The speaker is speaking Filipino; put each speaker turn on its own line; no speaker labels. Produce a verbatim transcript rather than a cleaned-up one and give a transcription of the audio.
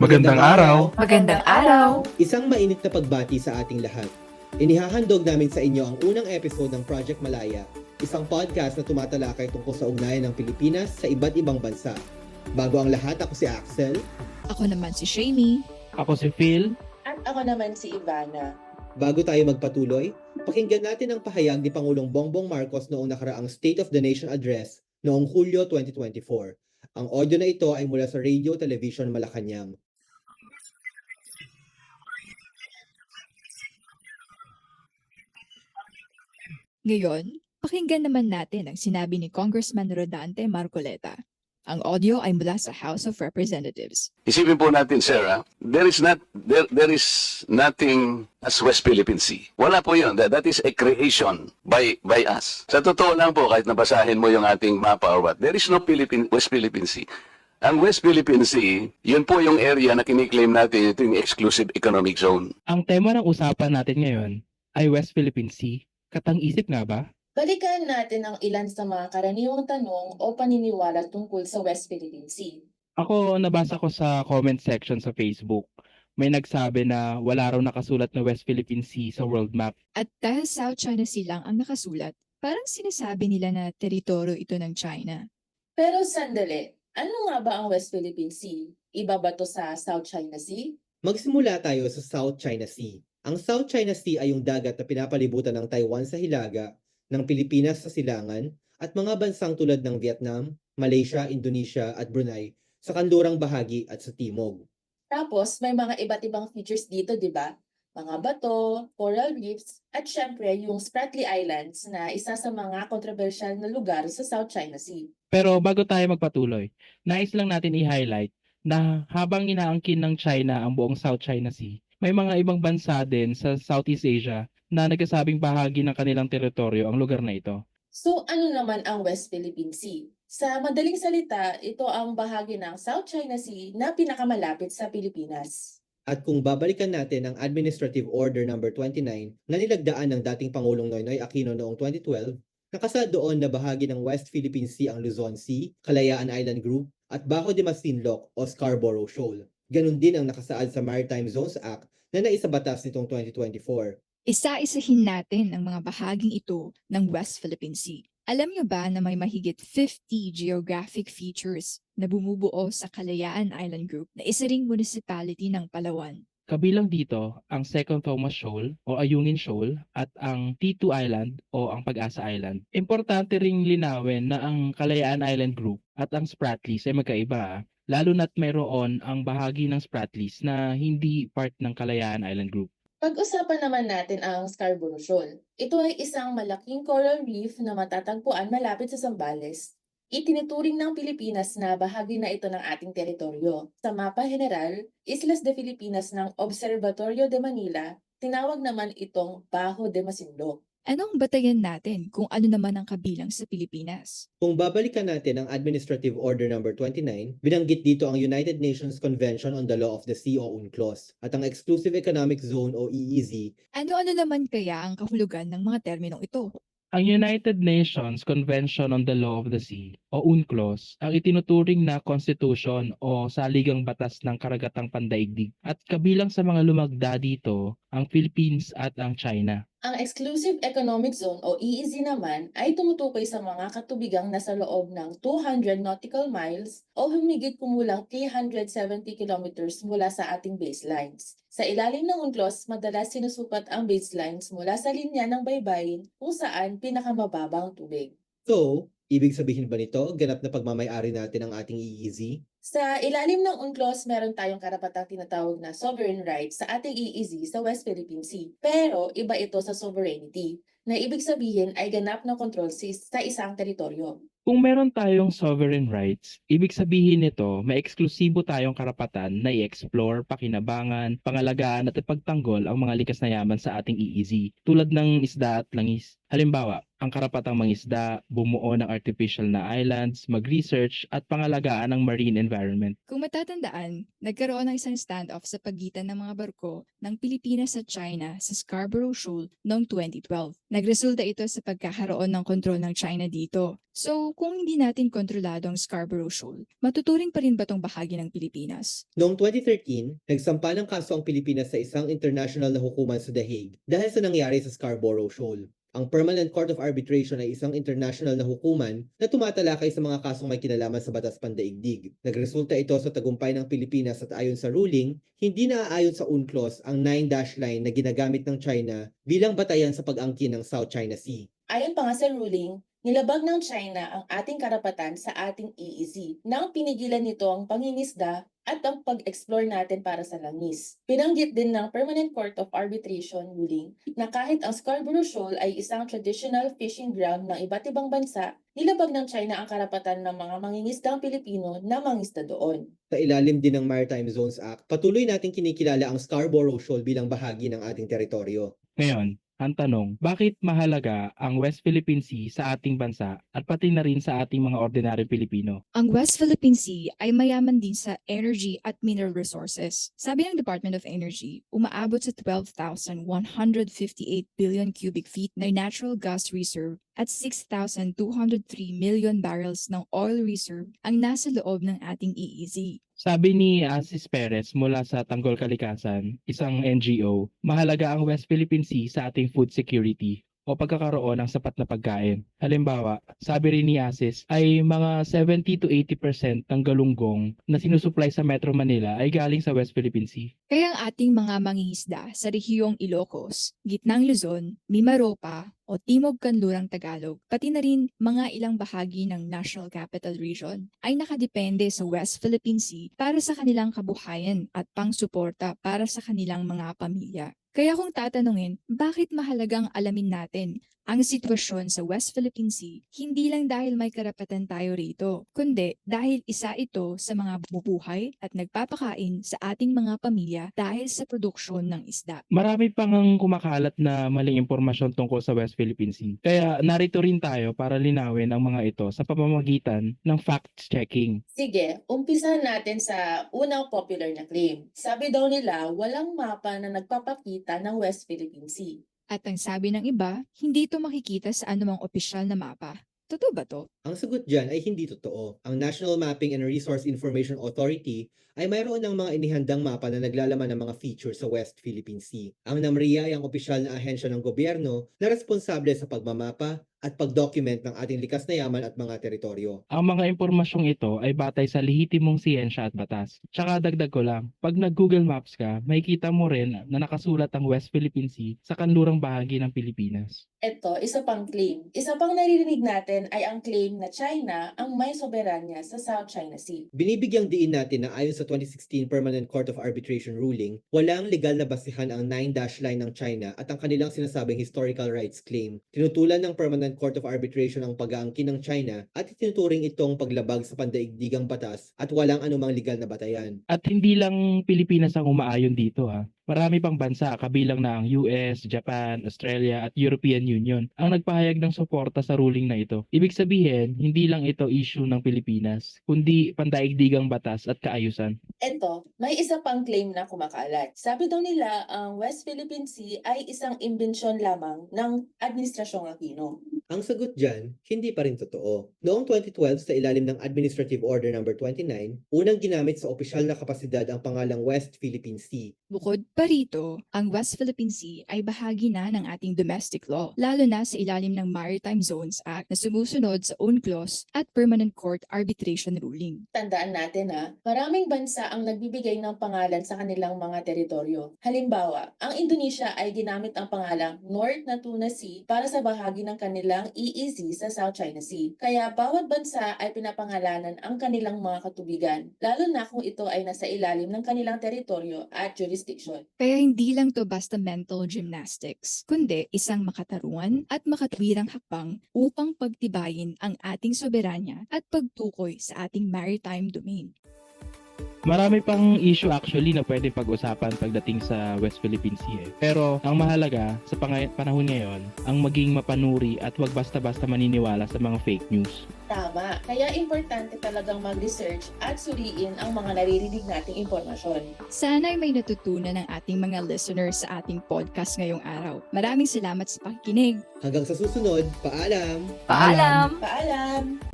Magandang araw!
Magandang araw!
Isang mainit na pagbati sa ating lahat. Inihahandog namin sa inyo ang unang episode ng Project Malaya, isang podcast na tumatalakay tungkol sa ugnayan ng Pilipinas sa iba't ibang bansa. Bago ang lahat, ako si Axel.
Ako naman si Shamey.
Ako si Phil.
At ako naman si Ivana.
Bago tayo magpatuloy, pakinggan natin ang pahayag ni Pangulong Bongbong Marcos noong nakaraang State of the Nation Address noong Hulyo twenty twenty-four. Ang audio na ito ay mula sa Radio Television Malacanang.
Ngayon, pakinggan naman natin ang sinabi ni Congressman Rodante Marcoleta. Ang audio ay mula sa House of Representatives.
Isipin po natin, sir, ah, there is not there there is nothing as West Philippine Sea. Wala po 'yon. That, that is a creation by by us. Sa totoo lang po, kahit nabasahin mo yung ating mapa or what, there is no Philippine West Philippine Sea. Ang West Philippine Sea, yun po yung area na kiniklaim natin, ito yung exclusive economic zone.
Ang tema ng usapan natin ngayon ay West Philippine Sea. Katang-isip nga ba?
Balikan natin ang ilan sa mga karaniwang tanong o paniniwala tungkol sa West Philippine Sea.
Ako, nabasa ko sa comment section sa Facebook. May nagsabi na wala raw nakasulat na West Philippine Sea sa world map.
At dahil South China Sea lang ang nakasulat, parang sinasabi nila na teritoryo ito ng China.
Pero sandali, ano nga ba ang West Philippine Sea? Iba ba to sa South China Sea?
Magsimula tayo sa South China Sea. Ang South China Sea ay yung dagat na pinapalibutan ng Taiwan sa hilaga, ng Pilipinas sa silangan, at mga bansang tulad ng Vietnam, Malaysia, Indonesia at Brunei sa kanlurang bahagi at sa timog.
Tapos may mga iba't ibang features dito, di ba? Mga bato, coral reefs, at syempre yung Spratly Islands na isa sa mga kontrobersyal na lugar sa South China Sea.
Pero bago tayo magpatuloy, nais lang natin i-highlight na habang inaangkin ng China ang buong South China Sea, may mga ibang bansa din sa Southeast Asia na nagsasabing bahagi ng kanilang teritoryo ang lugar na ito.
So ano naman ang West Philippine Sea? Sa madaling salita, ito ang bahagi ng South China Sea na pinakamalapit sa Pilipinas.
At kung babalikan natin ang Administrative Order number twenty-nine na nilagdaan ng dating Pangulong Noynoy Aquino noong twenty twelve, nakasaad doon na bahagi ng West Philippine Sea ang Luzon Sea, Kalayaan Island Group, at Bajo de Masinloc o Scarborough Shoal. Ganon din ang nakasaad sa Maritime Zones Act na naisabatas nitong twenty twenty-four.
Isa-isahin natin ang mga bahaging ito ng West Philippine Sea. Alam niyo ba na may mahigit fifty geographic features na bumubuo sa Kalayaan Island Group na isa ring municipality ng Palawan?
Kabilang dito ang Second Thomas Shoal o Ayungin Shoal at ang T two Island o ang Pag-asa Island. Importante ring linawin na ang Kalayaan Island Group at ang Spratlys ay magkaiba, lalo na't mayroon ang bahagi ng Spratlys na hindi part ng Kalayaan Island Group.
Pag-usapan naman natin ang Scarborough Shoal. Ito ay isang malaking coral reef na matatagpuan malapit sa Zambales. Itinuturing ng Pilipinas na bahagi na ito ng ating teritoryo. Sa mapa general, Islas de Filipinas ng Observatorio de Manila, tinawag naman itong Bajo de Masinloc.
Anong batayan natin kung ano naman ang kabilang sa Pilipinas?
Kung babalikan natin ang Administrative Order number twenty-nine, binanggit dito ang United Nations Convention on the Law of the Sea o UNCLOS at ang Exclusive Economic Zone o E E Z.
Ano-ano naman kaya ang kahulugan ng mga terminong ito?
Ang United Nations Convention on the Law of the Sea o UNCLOS ang itinuturing na konstitusyon o saligang batas ng karagatang pandaigdig at kabilang sa mga lumagda dito ang Philippines at ang China.
Ang Exclusive Economic Zone o E E Z naman ay tumutukoy sa mga katubigang nasa loob ng two hundred nautical miles o humigit kumulang three hundred seventy kilometers mula sa ating baselines. Sa ilalim ng UNCLOS, madalas sinusukat ang baselines mula sa linya ng baybayin kung saan pinakamababang tubig.
So, ibig sabihin ba nito, ganap na pagmamayari natin ang ating E E Z?
Sa ilalim ng UNCLOS, meron tayong karapatang tinatawag na sovereign rights sa ating E E Z sa West Philippine Sea. Pero iba ito sa sovereignty, na ibig sabihin ay ganap na kontrol sa isang teritoryo.
Kung meron tayong sovereign rights, ibig sabihin nito may eksklusibo tayong karapatan na i-explore, pakinabangan, pangalagaan at ipagtanggol ang mga likas na yaman sa ating E E Z tulad ng isda at langis. Halimbawa, ang karapatang mangisda, bumuo ng artificial na islands, mag-research at pangalagaan ng marine environment.
Kung matatandaan, nagkaroon ng isang standoff sa pagitan ng mga barko ng Pilipinas at China sa Scarborough Shoal noong twenty twelve. Nagresulta ito sa pagkakaroon ng kontrol ng China dito. So, kung hindi natin kontrolado ang Scarborough Shoal, matuturing pa rin ba tong bahagi ng Pilipinas?
Noong twenty thirteen, nagsampa ng kaso ang Pilipinas sa isang international na hukuman sa The Hague dahil sa nangyari sa Scarborough Shoal. Ang Permanent Court of Arbitration ay isang international na hukuman na tumatalakay sa mga kasong may kinalaman sa batas pandaigdig. Nagresulta ito sa tagumpay ng Pilipinas at ayon sa ruling, hindi naaayon sa UNCLOS ang nine dash line na ginagamit ng China bilang batayan sa pag-angkin ng South China Sea.
Ayon pa nga sa ruling, nilabag ng China ang ating karapatan sa ating E E Z nang pinigilan nito ang pangingisda at ang pag-explore natin para sa langis. Binanggit din ng Permanent Court of Arbitration ruling na kahit ang Scarborough Shoal ay isang traditional fishing ground ng iba't ibang bansa, nilabag ng China ang karapatan ng mga mangingisdang Pilipino na mangisda doon.
Sa ilalim din ng Maritime Zones Act, patuloy nating kinikilala ang Scarborough Shoal bilang bahagi ng ating teritoryo.
Ngayon, ang tanong, bakit mahalaga ang West Philippine Sea sa ating bansa at pati na rin sa ating mga ordinaryong Pilipino?
Ang West Philippine Sea ay mayaman din sa energy at mineral resources. Sabi ng Department of Energy, umaabot sa twelve thousand one hundred fifty-eight billion cubic feet na natural gas reserve at six thousand two hundred three million barrels ng oil reserve ang nasa loob ng ating E E Z.
Sabi ni Asis Perez mula sa Tanggol Kalikasan, isang N G O, mahalaga ang West Philippine Sea sa ating food security o pagkakaroon ng sapat na pagkain. Halimbawa, sabi rin ni Asis ay mga seventy to eighty percent ng galunggong na sinusupply sa Metro Manila ay galing sa West Philippine Sea.
Kaya ang ating mga mangingisda sa rehiyong Ilocos, Gitnang Luzon, Mimaropa, o Timog Kanlurang Tagalog, pati na rin mga ilang bahagi ng National Capital Region ay nakadepende sa West Philippine Sea para sa kanilang kabuhayan at pangsuporta para sa kanilang mga pamilya. Kaya kung tatanungin, bakit mahalagang alamin natin ang sitwasyon sa West Philippine Sea, hindi lang dahil may karapatan tayo rito, kundi dahil isa ito sa mga bumubuhay at nagpapakain sa ating mga pamilya dahil sa produksyon ng isda.
Marami pang ang kumakalat na maling impormasyon tungkol sa West Philippine Sea. Kaya narito rin tayo para linawin ang mga ito sa pamamagitan ng fact-checking.
Sige, umpisahan natin sa unang popular na claim. Sabi daw nila, walang mapa na nagpapakita ng West Philippine Sea.
At ang sabi ng iba, hindi ito makikita sa anumang opisyal na mapa. Totoo ba to?
Ang sagot dyan ay hindi totoo. Ang National Mapping and Resource Information Authority ay mayroon ng mga inihandang mapa na naglalaman ng mga features sa West Philippine Sea. Ang NAMRIA ay ang opisyal na ahensya ng gobyerno na responsable sa pagmamapa at pag-document ng ating likas na yaman at mga teritoryo.
Ang mga impormasyong ito ay batay sa lehitimong siyensya at batas. Tsaka dagdag ko lang, pag nag-Google Maps ka, makikita mo rin na nakasulat ang West Philippine Sea sa kanlurang bahagi ng Pilipinas.
Ito, isa pang claim. Isa pang naririnig natin ay ang claim na China ang may soberanya sa South China Sea.
Binibigyang diin natin na ayon sa twenty sixteen Permanent Court of Arbitration ruling, walang legal na basihan ang nine dash line ng China at ang kanilang sinasabing historical rights claim. Tinutulan ng Permanent Court of Arbitration ang pag-aangkin ng China at itinuturing itong paglabag sa pandaigdigang batas at walang anumang legal na batayan.
At hindi lang Pilipinas ang umaayon dito ha. Marami pang bansa kabilang na ang U S, Japan, Australia at European Union ang nagpahayag ng suporta sa ruling na ito. Ibig sabihin, hindi lang ito issue ng Pilipinas, kundi pandaigdigang batas at kaayusan.
Ito, may isa pang claim na kumakalat. Sabi daw nila, ang West Philippine Sea ay isang imbensyon lamang ng Administrasyong Aquino.
Ang sagot dyan, hindi pa rin totoo. Noong twenty twelve sa ilalim ng Administrative Order number twenty-nine, unang ginamit sa opisyal na kapasidad ang pangalang West Philippine Sea.
Bukod pa rito, ang West Philippine Sea ay bahagi na ng ating domestic law, lalo na sa ilalim ng Maritime Zones Act na sumusunod sa UNCLOS at Permanent Court Arbitration Ruling.
Tandaan natin ha, maraming bansa ang nagbibigay ng pangalan sa kanilang mga teritoryo. Halimbawa, ang Indonesia ay ginamit ang pangalang North Natuna Sea para sa bahagi ng kanilang E E Z sa South China Sea. Kaya bawat bansa ay pinapangalanan ang kanilang mga katubigan, lalo na kung ito ay nasa ilalim ng kanilang teritoryo at jurisdiction.
Kaya hindi lang to basta mental gymnastics, kundi isang makatarungan at makatwirang hakbang upang pagtibayin ang ating soberanya at pagtukoy sa ating maritime domain.
Marami pang issue actually na pwede pag-usapan pagdating sa West Philippine Sea. Eh. Pero ang mahalaga sa pang- panahon ngayon, ang maging mapanuri at wag basta-basta maniniwala sa mga fake news.
Tama. Kaya importante talagang mag-research at suriin ang mga naririnig nating impormasyon.
Sana'y may natutunan ng ating mga listeners sa ating podcast ngayong araw. Maraming salamat sa pakikinig.
Hanggang sa susunod, paalam!
Paalam!
Paalam!